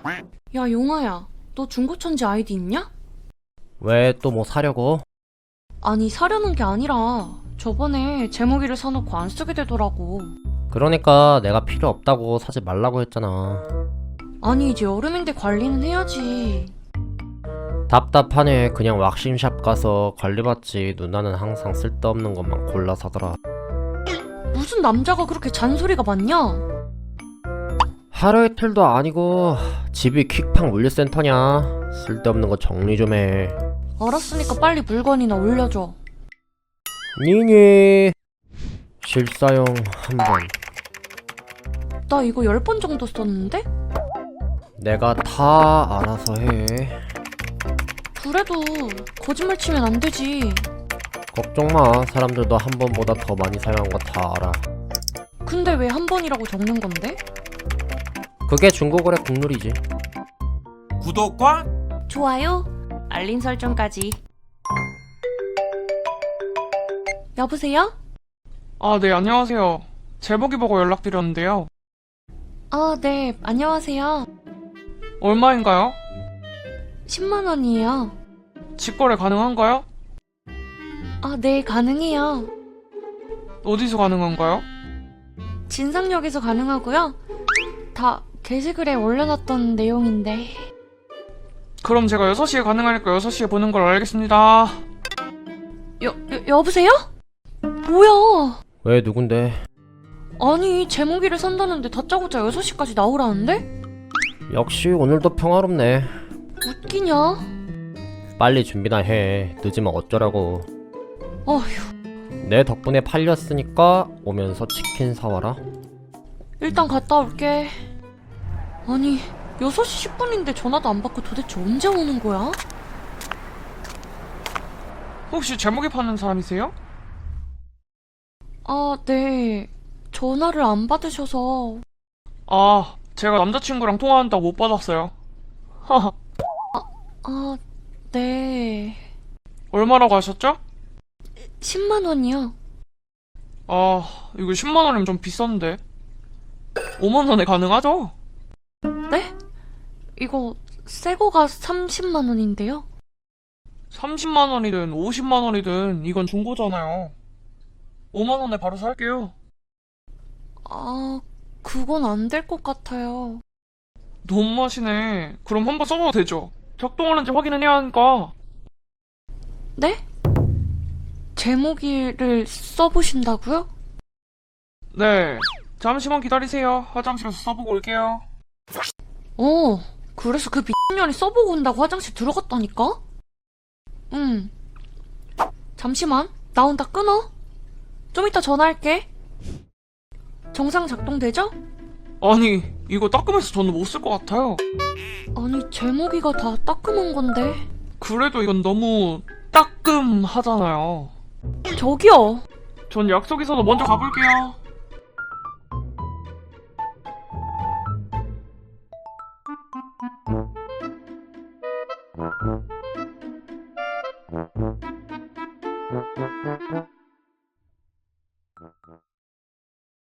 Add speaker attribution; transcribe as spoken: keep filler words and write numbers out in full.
Speaker 1: 야, 용아야, 너 중고천지 아이디 있냐?
Speaker 2: 왜 또 뭐 사려고?
Speaker 1: 아니, 사려는 게 아니라 저번에 제목이를 사놓고 안 쓰게 되더라고.
Speaker 2: 그러니까 내가 필요 없다고 사지 말라고 했잖아.
Speaker 1: 아니, 이제 여름인데 관리는 해야지.
Speaker 2: 답답하네. 그냥 왁싱샵 가서 관리받지. 누나는 항상 쓸데없는 것만 골라 사더라.
Speaker 1: 무슨 남자가 그렇게 잔소리가 많냐?
Speaker 2: 하루 이틀도 아니고 집이 퀵팡 물류센터냐? 쓸데없는 거 정리 좀 해.
Speaker 1: 알았으니까 빨리 물건이나 올려줘.
Speaker 2: 니니 실사용 한번.
Speaker 1: 나 이거 열 번 정도 썼는데?
Speaker 2: 내가 다 알아서 해.
Speaker 1: 그래도 거짓말 치면 안 되지.
Speaker 2: 걱정마. 사람들도 한 번보다 더 많이 사용한 거 다 알아.
Speaker 1: 근데 왜 한 번이라고 적는 건데?
Speaker 2: 그게 중고거래 국룰이지.
Speaker 3: 구독과
Speaker 1: 좋아요, 알림 설정까지. 여보세요?
Speaker 4: 아, 네, 안녕하세요. 제목이 보고 연락드렸는데요.
Speaker 1: 아, 네, 안녕하세요.
Speaker 4: 얼마인가요?
Speaker 1: 십만 원이에요.
Speaker 4: 직거래 가능한가요?
Speaker 1: 아, 네, 가능해요.
Speaker 4: 어디서 가능한가요?
Speaker 1: 진상역에서 가능하고요. 다 게시글에 올려놨던 내용인데.
Speaker 4: 그럼 제가 여섯 시에 가능하니까 여섯 시에 보는 걸로 알겠습니다.
Speaker 1: 여, 여 여보세요? 뭐야?
Speaker 2: 왜 누군데?
Speaker 1: 아니, 제목이를 산다는데 다짜고짜 여섯 시까지 나오라는데?
Speaker 2: 역시 오늘도 평화롭네.
Speaker 1: 웃기냐?
Speaker 2: 빨리 준비나 해. 늦으면 어쩌라고.
Speaker 1: 어휴,
Speaker 2: 내 덕분에 팔렸으니까 오면서 치킨 사와라.
Speaker 1: 일단 갔다 올게. 아니, 여섯 시 십 분인데 전화도 안 받고 도대체 언제 오는 거야?
Speaker 4: 혹시 제목이 파는 사람이세요?
Speaker 1: 아, 네. 전화를 안 받으셔서.
Speaker 4: 아, 제가 남자친구랑 통화한다고 못 받았어요. 하하.
Speaker 1: 아, 네.
Speaker 4: 얼마라고 하셨죠?
Speaker 1: 십만 원이요.
Speaker 4: 아, 이거 십만 원이면 좀 비싼데. 오만 원에 가능하죠?
Speaker 1: 네? 이거 새 거가 삼십만 원인데요.
Speaker 4: 삼십만 원이든 오십만 원이든 이건 중고잖아요. 오만 원에 바로 살게요.
Speaker 1: 아, 그건 안 될 것 같아요.
Speaker 4: 너무하시네. 그럼 한번 써봐도 되죠? 작동하는지 확인은 해야 하니까.
Speaker 1: 네? 제목이를 써보신다고요?
Speaker 4: 네. 잠시만 기다리세요. 화장실에서 써보고 올게요.
Speaker 1: 어, 그래서 그 미친년이 써보고 온다고 화장실 들어갔다니까? 응. 잠시만, 나 온다 끊어. 좀 이따 전화할게. 정상 작동되죠?
Speaker 4: 아니, 이거 따끔해서 저는 못 쓸 것 같아요.
Speaker 1: 아니, 제목이가 다 따끔한 건데.
Speaker 4: 그래도 이건 너무 따끔하잖아요.
Speaker 1: 저기요.
Speaker 4: 전 약속 있어서 먼저 가볼게요.
Speaker 2: 응?